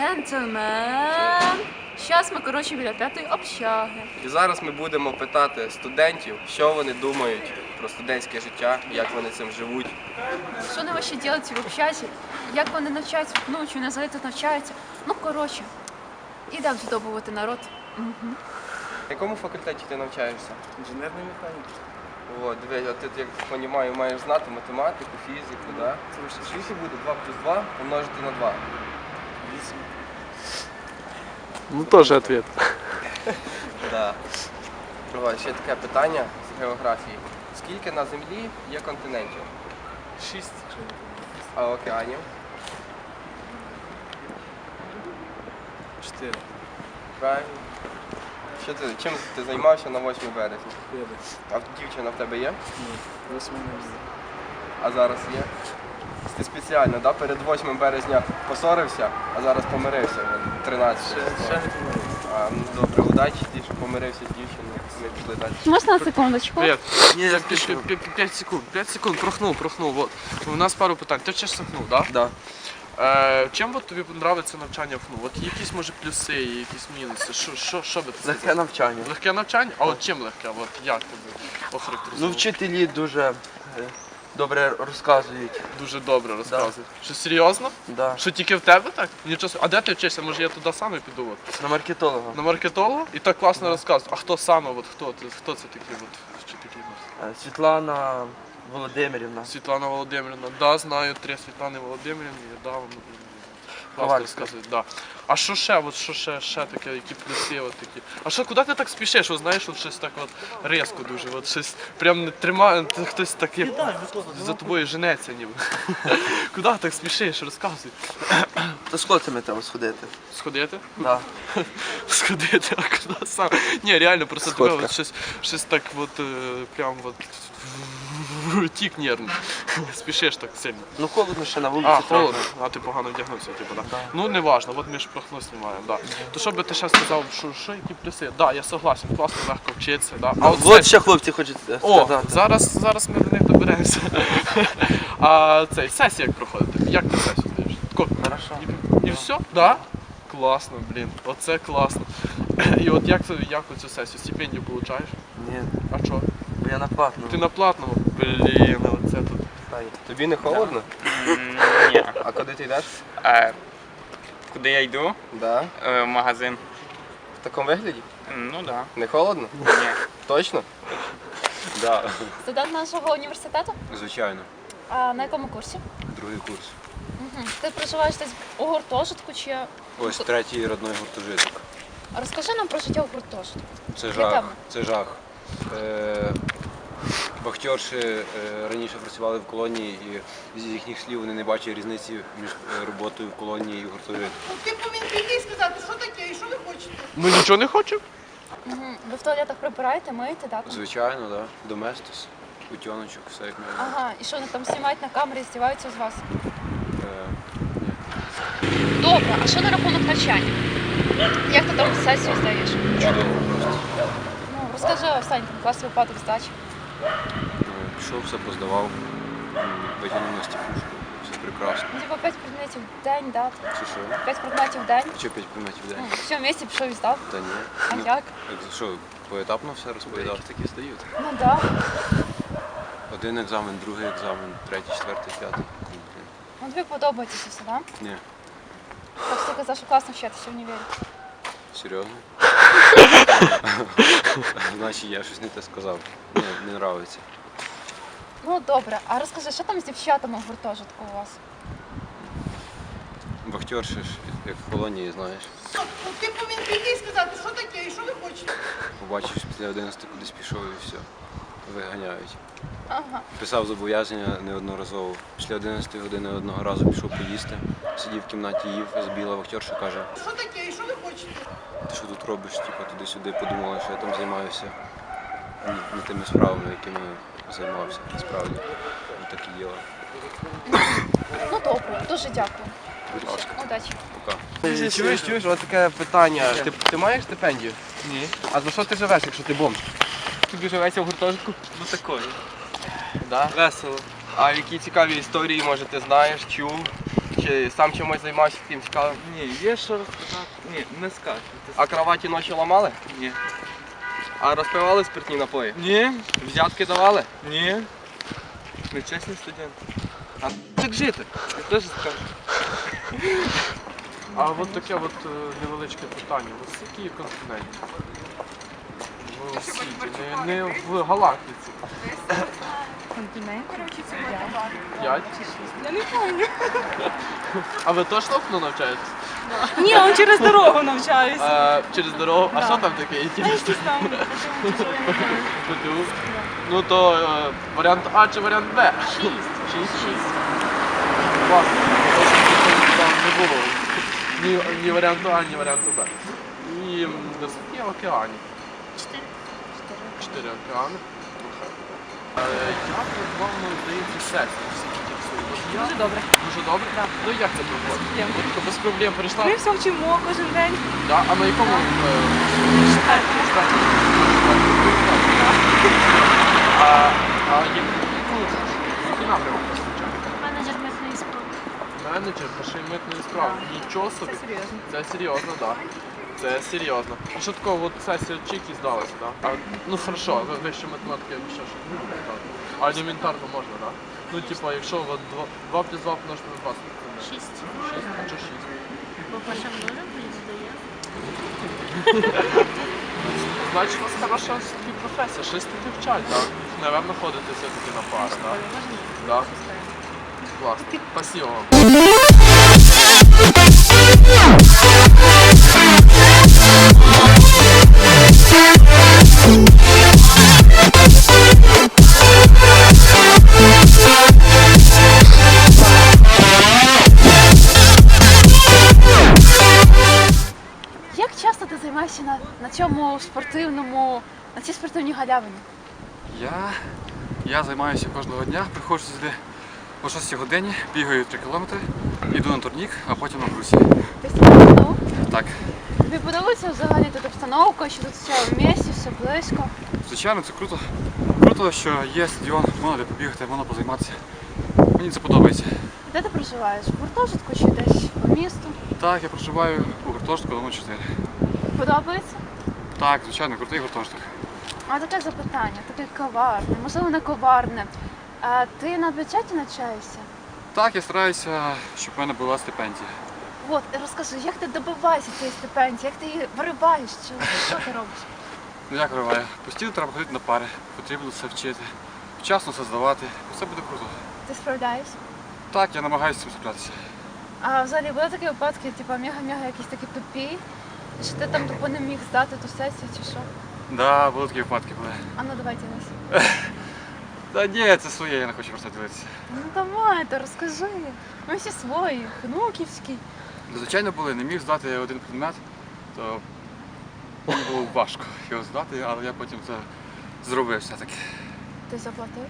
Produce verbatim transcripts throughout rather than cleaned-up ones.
Джентльмен. Зараз ми, коротше, біля п'ятої общаги. І зараз ми будемо питати студентів, що вони думають про студентське життя, як вони цим живуть. Що вони ще роблять в общазі? Як вони навчаються, ну, чи вони взагалі тут навчаються? Ну, коротше, ідемо здобувати народ. Угу. На якому факультеті ти навчаєшся? Інженерної механіки. О, дивись, а ти, як розумію, маєш знати математику, фізику, так? Да? Скільки буде два плюс два помножити на два? Вісім. Ну, тоже ответ. Да. О, ще таке питання з географії. Скільки на Землі є континентів? Шість. А океанів? Чотири. Правильно. Що ти, чим ти займався на восьмому березня? П'ять. А дівчина в тебе є? Ні. Восьме не буде. А зараз є? Ти спеціально, да? Перед восьмим березня посорився, а зараз помирився от, тринадцятого. Ще, ще не помилився. А, ну, добре, удачі ті, що помирився з дівчиною, ми пішли далі. Можна на секундочку? Привет. Ні, я пять секунд, пять секунд, прохнув, прохнув. Вот. У нас пару питань. Ти вчишся ФНУ, да? Да. Е, чим от тобі подобається навчання в ФНУ? От якісь, може, плюси, якісь мінуси? Що, що, що би ти Легке сказав? навчання. Легке навчання? А от чим легке? От як тобі охарактеризувати? Ну, вчителі дуже е, добре розказують. Дуже добре розказують. Що, серйозно? Да. Що тільки в тебе так? Нічого собі. А де ти вчишся? Може я туди саме піду? От? На маркетолога. На маркетолога? І так класно розказують. А хто саме? От, хто, ти- хто це такі? От, що такі? Е, Світлана Володимирівна. Світлана Володимирівна. Да, знаю три Світлани Володимирівни. Да, вони класно Ковальська. розказують. Да. А що ще? От що ще, ще таке, які плюси от такі? А що, куди ти так спішиш? От, знаєш, от щось так от різко дуже, от щось прям не тримає, ти хтось так як за тобою женеться ніби. Куди так спішиш? Розказуй. То з хлопцями треба сходити. Сходити? Да. Сходити, а куди сам? Ні, реально, просто тебе от щось, щось так от, е, прям от тік нервний. Спішиш так сильно. Ну холодно ще на вулиці. А, трохи. холодно, а ти погано вдягнувся, типу, да. Ну не важно, от ми ж про ХНУ знімаємо, да. То що би ти ще сказав, що, що які плюси? Да, я согласен, класно, легко вчитися, да. А от от це- ще хлопці хочуть е, О, сказати. зараз, зараз ми до них доберемося. А цей, сесія як проходить? Як ти сесію здаєш? Тако, Хорошо. І, і все? Да? Класно, блін, оце класно. І от як, це- як оцю сесію? Стипендію получаєш? Ні, А що? бо я на платному. Ти на платному? Блін, оце тут. Тобі не холодно? Ні. А куди ти йдеш? А, куди я йду? Да. Е, В магазин. В такому вигляді? Ну так. Да. Не холодно? Ні. Точно? Да, Студент нашого університету? звичайно. А на якому курсі? Другий курс. Угу. Ти проживаєш десь у гуртожитку чи... Ось третій родной гуртожиток. Розкажи нам про життя у гуртожитку. Це Яке жах. там? Це жах. Е, Вахтерші е, раніше працювали в колонії, і з їхніх слів вони не бачать різниці між е, роботою в колонії і в гуртожитку. Ти повинен прийти і сказати, що таке і що ви хочете. Ми нічого не хочемо? Угу. Ви в туалетах прибираєте, миєте, так? Звичайно, так. Да. Доместос, утяночок, все як має бути. Ага, і що вони там знімають на камері, здіваються з вас? Е, Добре, а що на рахунок навчання? Як ти там сесію здаєш? Чудово просто. Ну, розкажи останній там клас випадок здачі. Ну, пішов, все поздавав, м, витягнув на стіпушку. Все прекрасно. Ну, типу п'ять предметів в день, да? Чи що? п'ять предметів в день. Чи п'ять предметів в день? Ну, все, в місті пішов і здав. Та ні. А Ну, як? Що, поетапно все розповідав? такі стають. Ну да. Один екзамен, другий екзамен, третій, четвертий, п'ятий. Ну тобі подобається це все, да? Ні, Так що ти казав, що класно вчитися в універі. серйозно? Значить, я щось не те сказав. Ні, не нравиться. Ну добре, а розкажи, що там з дівчатами в гуртожитку у вас? Вахтерші ж, як в колонії, знаєш. Ти повинен прийти і сказати, що таке і що ви хочете. Побачив, що після одинадцяти кудись пішов і все. Виганяють. Ага. Писав зобов'язання неодноразово. Після одинадцятої години одного разу пішов поїсти. Сидів в кімнаті, їв, забіла вахтерша, каже, Що таке і що ви хочете. ти що тут робиш? Типу, туди-сюди подумала, що я там займаюся не, не тими справами, якими займався. Насправді. Ну, так і діло. Ну добре, дуже дякую. Будь ласка, Удачі. пока. Чуєш, чуєш, ось таке питання. Ти, ти маєш стипендію? Ні. А за що ти живеш, якщо ти бомж? Тобі живеться в гуртожитку? Ну такої. Да? Весело. А які цікаві історії, може, ти знаєш, чув? Чи сам чимось займався таким цікавим? Ні, є що розказати. Ні, не скажу. А кроваті ночі ламали? Ні. А розпивали спиртні напої? Ні. Взятки давали? Ні. Нечесний студент. А як жити? Я теж скажу. А от таке от е, невеличке питання. Ось скільки є континентів? В світі, не, не в галактиці. П'ять? Я не пам'ятаю. А ви точно окно навчаєтесь? Ні, он через дорогу навчаюся. А, через дорогу. А що там таке? Та інтересне? якісь там. ПТУ? Ну то е, варіант А чи варіант Б? Шість. Шість? Шість. Класно. Там не було. Ні, ні варіанту А, ні варіанту Б. І м, до скільки океанів? Чотири. Чотири океани. Е, Як вам здається сесія? Дуже добре. Дуже добре? Так. Ну як це проходить? проблем. Тобто без проблем прийшла? Ми все вчимо кожен день. Да? А на якому? е, А, а які, які напрямки звичайно? Менеджер митної справи. Менеджер пошив митної справи. Нічого собі. Це серйозно. Це серйозно, так. Це серйозно. А що такого, от сесія чики здалася, так? А, ну хорошо, ви вище математики я б ще щось не буду казати. А елементарно можна, так? Ну, типа, якщо от два плюс два помножити на два, скільки це буде? Шість. Шість, а чого шість? Бо перша множа плюс додає. Значить, у вас хороша все-таки професія, щось таки вчать, так? Наверно, ходите все-таки на пари, так? Так. Класно. Спасибо вам. Як часто ти займаєшся на, на цьому спортивному, на цій спортивній галявині? Я, я займаюся кожного дня, приходжу сюди о шостій годині, бігаю три кілометри, йду на турнік, а потім на брусі. Ти спортивну? Так, Тобі подобається взагалі тут обстановка, що тут все в місті, все близько? звичайно, це круто. Круто, що є стадіон, можна де побігати, можна позайматися. Мені це подобається. Де ти проживаєш? В гуртожитку чи десь по місту? Так, я проживаю у гуртожитку номер чотири. Подобається? Так, звичайно, крутий гуртожиток. А таке запитання, таке коварне, можливо, не коварне. А ти на бюджеті навчаєшся? Так, я стараюся, щоб в мене була стипендія. От, розкажи, як ти добиваєшся цієї стипендії, як ти її вириваєш, чи що ти робиш? Ну як вириваю? Постійно треба ходити на пари, потрібно все вчити, вчасно все здавати. Все буде круто. Ти справляєшся? Так, я намагаюся з цим справлятися. А взагалі були такі випадки, типу мега-мега якісь такі тупі, що ти там тупо не міг здати ту сесію чи що? Да, були такі випадки були. А ну давай ділись. Та ні, це своє, я не хочу просто ділитися. Ну давай, то розкажи. Ми всі свої, внуківські. Ну, звичайно, були, не міг здати один предмет, то мені було важко його здати, але я потім це зробив все-таки. Ти заплатив?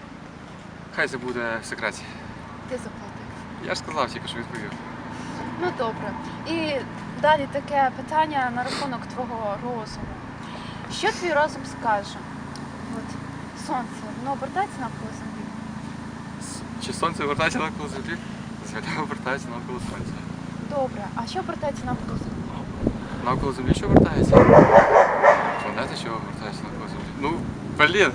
Хай це буде в секреті. Ти заплатив. Я ж сказав, тільки що відповів. Ну добре. І далі таке питання на рахунок твого розуму. Що твій розум скаже? От сонце, воно обертається навколо землі? С- Чи сонце обертається навколо землі? Земля обертається навколо сонця. Добре, а що обертається навколо землі? Навколо землі що обертається? Планети що обертаються навколо землі? Ну, блін!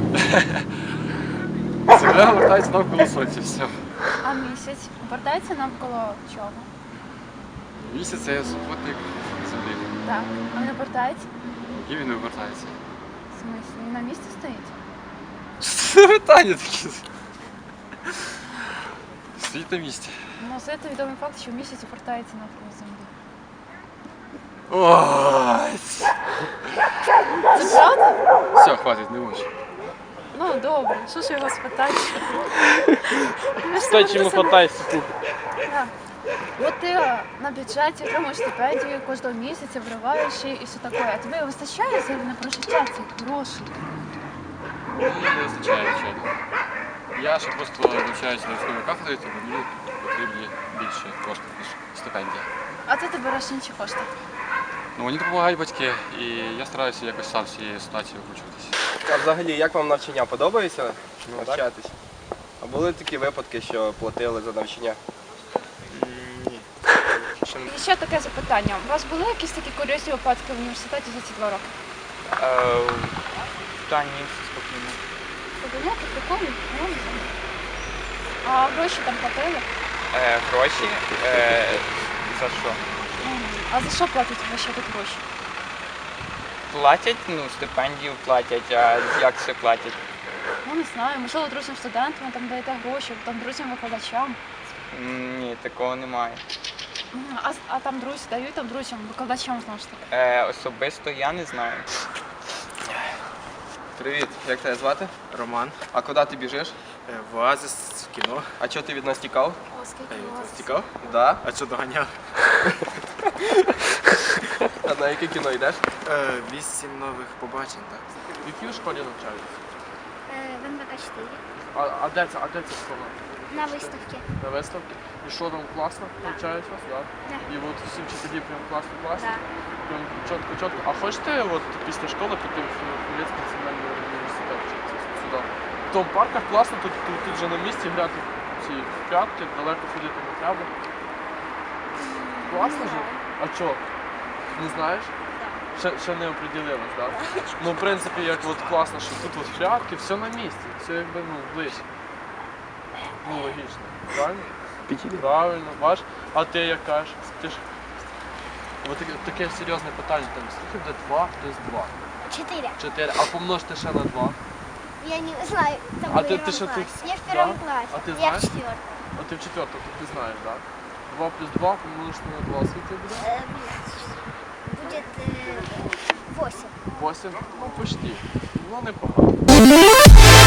Земля обертається навколо сонця, все. А місяць обертається навколо чого? Місяць це супутник землі. Так. А він обертається? І він не обертається. В смислі? Він на місці стоїть? Що це питання такі? Стоїть на місці. Ну, це відомий факт, що місяць обертається навколо землі. Ой! Це правда? Все, хватить, не можу. Ну добре, що ж його спитати? Стой, чому хватаєшся тут? Так. От ти е, на бюджеті отримуєш стипендію кожного місяця, вриваєш її і все таке. А тобі вистачає взагалі на прожиття цих грошей? Мені не вистачає, звичайно. Я ще просто навчаюся на військовій кафедрі, тому мені потрібні більше коштів, ніж стипендія. А ти ти береш інші кошти. Ну, мені допомагають батьки, і я стараюся якось сам з цієї ситуації викручуватися. А взагалі, як вам навчання подобається навчатись? А були такі випадки, що платили за навчання? ще таке запитання. У вас були якісь такі курйозні випадки в університеті за ці два роки? Е, Та ні, все спокійно. Подивляти, прикольно? Ну, не знаю. А гроші там платили? Е, Гроші? Е, За що? А за що платять ваші тут гроші? Платять, ну, стипендію платять, а як це платять? Ну, не знаю, можливо, друзям студентам там даєте гроші, там друзям викладачам. М, Ні, такого немає. М, А, а там друзі дають там друзям, викладачам знову ж таки. Е, Особисто я не знаю. Привіт, як тебе звати? Роман. А куди ти біжиш? В Оазис, в кіно. А чого ти від нас тікав? О, скільки у вас? Цікав? Да. А що доганяв? А на яке кіно йдеш? Вісім нових побачень, так. В якій школі навчаєтесь? В эн вэ ка чотири. А, а де це? А де це школа? На виставці. На виставці? І що там класно? Навчають вас, так? Да. І от всі вчителі прям класно, класно? Да. Прям чітко, чітко. А хочете от після школи піти в Хмельницький національний університет вчитися сюди? В тому парках класно, тут, тут, тут же на місці грати ці прятки, далеко ходити не треба. Класно же? А чого? Не знаєш? Ще, ще не оприділилась, так? Ну, в принципі, як от класно, що тут от прятки, все на місці, все якби ну, ближче. Ну, логічно. Правильно? Правильно, бач. А ти як кажеш? Ти ж... Ось таке, таке серйозне питання, там, скільки буде два плюс два? Чотири. чотири. А помножте ще на два. Я не знаю. Там А в ти- первом ти що классе. тут? Я в первом Да? классе. А ти Я знаєш? в четвертом. А ти в четвертому, то ти знаєш, так? два плюс два помножити на два, скільки буде? Э, Будет э, восемь. восемь? Ну, почти. Ну, непогано.